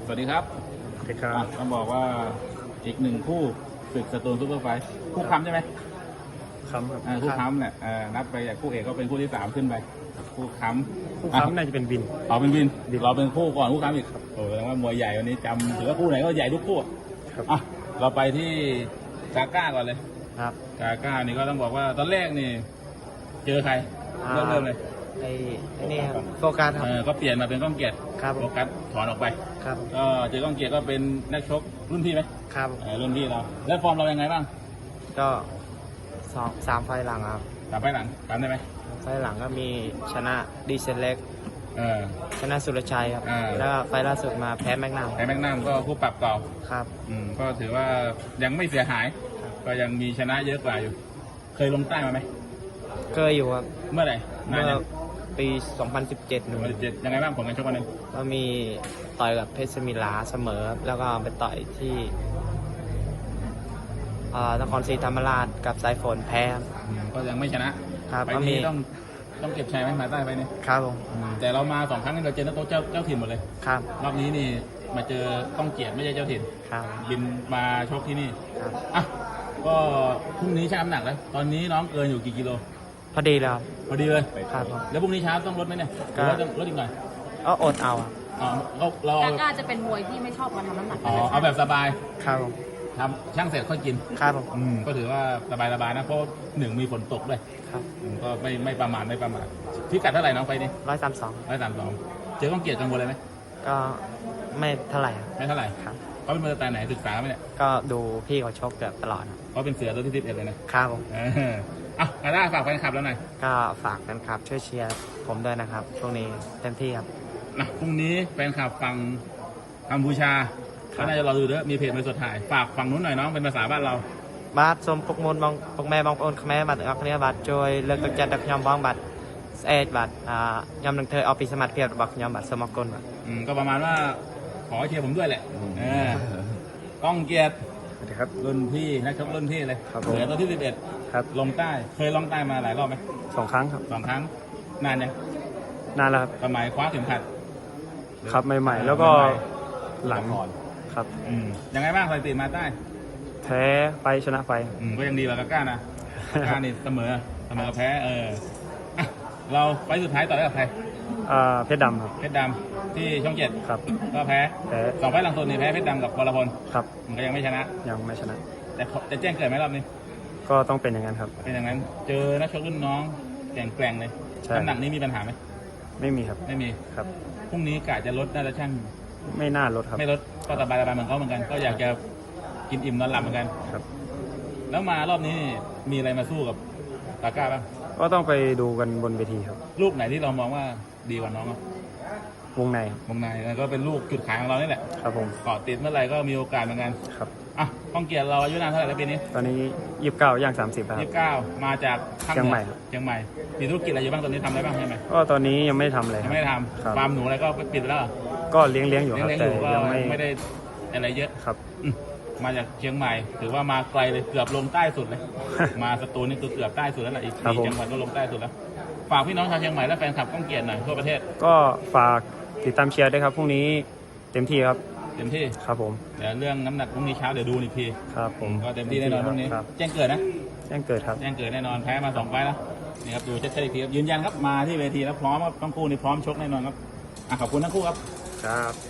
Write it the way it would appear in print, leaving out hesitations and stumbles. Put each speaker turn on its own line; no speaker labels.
วัสดีครับ
สวัสดีครับ
ต้องบอกว่าอีกหนึ่งคู่ศึกสตูลซุปเปอร์ไฟท์คู่ค้ำใช่ไหม
ครับ
คู่ค้ำเนี่ยนับไปจากคู่เอกก็เป็นคู่ที่3ขึ้นไปคู่ค้ำ
น่าจะเป็นวิน
เป็นวินเราเป็นคู่ก่อนคู่ค้ำอีกโอ้แสดงว่ามวยใหญ่วันนี้จำถือว่าคู่ไหนก็ใหญ่ทุกคู่
ครับ
เราไปที่กาก้าก่อนเลย
ครับ
กาก้านี่ก็ต้องบอกว่าตอนแรกนี่เจอใครเริ่มเลย
ไอ้นี่ครับโฟกัสครับ
ก็เปลี่ยนมาเป็นก้องเกียรติโฟกัสถอนออกไป
ครับ
ก็เจอก้องเกียรติก็เป็นนักชกรุ่นพี่ไหม
ครับ
รุ่นพี่เราแล้วฟอร์มเรายังไงบ้าง
ก็3 ไฟล์หลังครับ
3 ไฟล์หลังตามได้ไหม
ไฟล์หลังก็มีชนะดีเซนเล็กชนะสุรชัยครับแล้วไฟล์ล่าสุดมาแพ้แมกนัม
ก็คู่ปรับเก่า
ครับ
ก็ถือว่ายังไม่เสียหายก็ยังมีชนะเยอะกว่าอยู่เคยลงใต้มาไหม
เคยอยู่ครับ
เมื่อไหร่
เมื่อปี 2017
ยังไงบ้างผลการชกวันนั้น
ก็มีต่อยกับเพชรสมิลาเสมอแล้วก็ไปต่อยที่นครศรีธรรมราชกับสายฝนแพ้
ก็ยังไม่ชนะครับไปนี้ต้องเก็บชัยไหมมาใต้ไปนี่
ครับผม
แต่เรามา2 ครั้งนี่เราเจอนักโทษเจ้าถิ่นหมดเลย
ครับ
รอบนี้นี่มาเจอก้องเกียรติไม่ใช่เจ้าถิ่น
ครับ
บินมาชกที่นี่ครับก็พรุ่งนี้ชั่งน้ำหนักแล้วตอนนี้น้องเกินอยู่กี่กิโล
พอดีแล้ว
พอดีเลย
ครับ
แล้วพรุ่งนี้เช้าต้องลดไหมเนี่ยก็ต้องลดอีกหน่อย
อดเอา
เรา
ก็จะเป็นมวยที่ไม่ชอบการทำน้ำหนัก
เอาแบบสบาย
ครับ
ทำช่างเสร็จค่อยกิน
ครับ
ก็ถือว่าสบายนะเพราะ1มีฝนตกด้วย
ครับ
ก็ไม่ประมาทพิกัดเท่าไหร่น้องไปนี่
132
เจอก้องเกียรติกังวลอะไรไหม
ก็ไม่เท่าไหร่
ครับเขาเป็นมือแต่ไหนศึกษาไหมเนี่ย
ก็ดูพี่เขาชกเกือบตลอด
เขาเป็นเสือตัวที่11เลย
นะครับผม
อาด้าฝากแฟนคลับแล้วหน่อย
ก็ฝากแฟนคลับช่วยเชียร์ผมด้วยนะครับช่วงนี้เต็มที่ครับ
พรุ่งนี้แฟนคลับฟังกัมพูชาก็น่าจะรอดูด้วยมีเพจมาสดถ่ายฝากฝั่งนู้นหน่อยน้องเป็นภาษาบ้านเรา
บาทส้มปกมลปกแม่บางโอนแม่บัตรอักเนี้ยบัตรจอยเลิกตกจัดดักยำบ้องบัตรบัตรยำหนึ่งเธอเอาปีสมัครเพียบบักยำบัตรสมกลบัตร
ก็ประมาณว่าขอเชียร์ผมด้วยแหละก้องเกียรติ
ครับ
รุ่นพี่นักชกรุ่นพี่เลยเหลือตัวที่11
ครับ
ลงใต้เคยลงใต้มาหลายรอบไหม
2 ครั้งครับ
2 ครั้งนานยัง
นานแล้วครับ
สมัยคว้าเข็มขัด
ครับใหม่ๆแล้วก็หลังครับ
ยังไงบ้างสถิติมาใต้
แพ้ไปชนะไป
ก็ยังดีกว่ากาก้านะกานี่เสมอแพ้เราไปสุดท้ายต่อได้กับใคร
เพชรดำครับ
เพชรดำที่ช่อง7
ครับ
ก็แพ้2 ไฟล์หลังสุดนี่แพ้เพชรดำกับวรพล
ครับ
มันก็ยังไม่ชนะแต่จะแจ้งเกิดไหมรอบนี้
ก็ต้องเป็นอย่างนั้นครับ
เป็นอย่างนั้นเจอนักชกรุ่นน้องแกร่งเลยน้ำหนักนี้มีปัญหาไหม
ไม่มีครับ
ไม่มี
ครับ
พรุ่งนี้กะจะลดน่าจะช่าง
ไม่น่าลดครับ
ไม่ลดก็สบายเหมือนเขาเหมือนกันก็อยากจะกินอิ่มนอนหลับเหมือนกัน
ครับ
แล้วมารอบนี้มีอะไรมาสู้กับกาก้าบ้าง
ก็ต้องไปดูกันบนเวทีครับ
ลูกไหนที่เรามองว่าดีกว่าน้อง
วงใน
แล้วก็เป็นลูกจุดขายของเรานี่แหละ
ครับผม
เกาะติดเมื่อไหร่ก็มีโอกาสเหมือนกัน
ครับ
ก้องเกียรติเราอายุนานเท่าไหร่แล้วปีนี้
ตอนนี้29ย่าง30ครับ
29มาจาก
เชียงใหม่
มีธุรกิจอะไรอยู่บ้างตอนนี้ทำอะไรบ้างใช่ไหม
ก็ตอนนี้ยังไม่ทำอะไร
ไม่ทำฟาร์มหนูอะไรก็ปิดแล้ว
ก็เลี้ยงอยู่ครับแต่
ยังไม่ได้อะไรเยอะ
ครับ
มาจากเชียงใหม่ถือว่ามาไกลเลยเกือบลงใต้สุดเลยมาสตูลนี่คือเกือบใต้สุดแล้วแหละอีก4 จังหวัดก็ลงใต้สุดแล้วฝากพี่น้องชาวเชียงใหม่และแฟนคลับก้องเกียรติหน่อยทั่วประเทศ
ก็ฝากติดตามเชียร์ด้วยครับพรุ่งนี้เต็มที่ครับครับผม
เดี๋ยวเรื่องน้ำหนักพรุ่งนี้เช้าเดี๋ยวดูอีกที
ครับผม
ก็เต็มที่แน่นอนพรุ่งนี้แจ้งเกิดนะ
แจ้งเกิดครับ
แจ้งเกิดแน่นอนแพ้มา2 ไฟล์แล้วนี่ครับดูชัดๆอีกทีครับยืนยันครับมาที่เวทีแล้วพร้อมครับทั้งคู่นี่พร้อมชกแน่นอนครับขอบคุณทั้งคู่ครับ
ครับ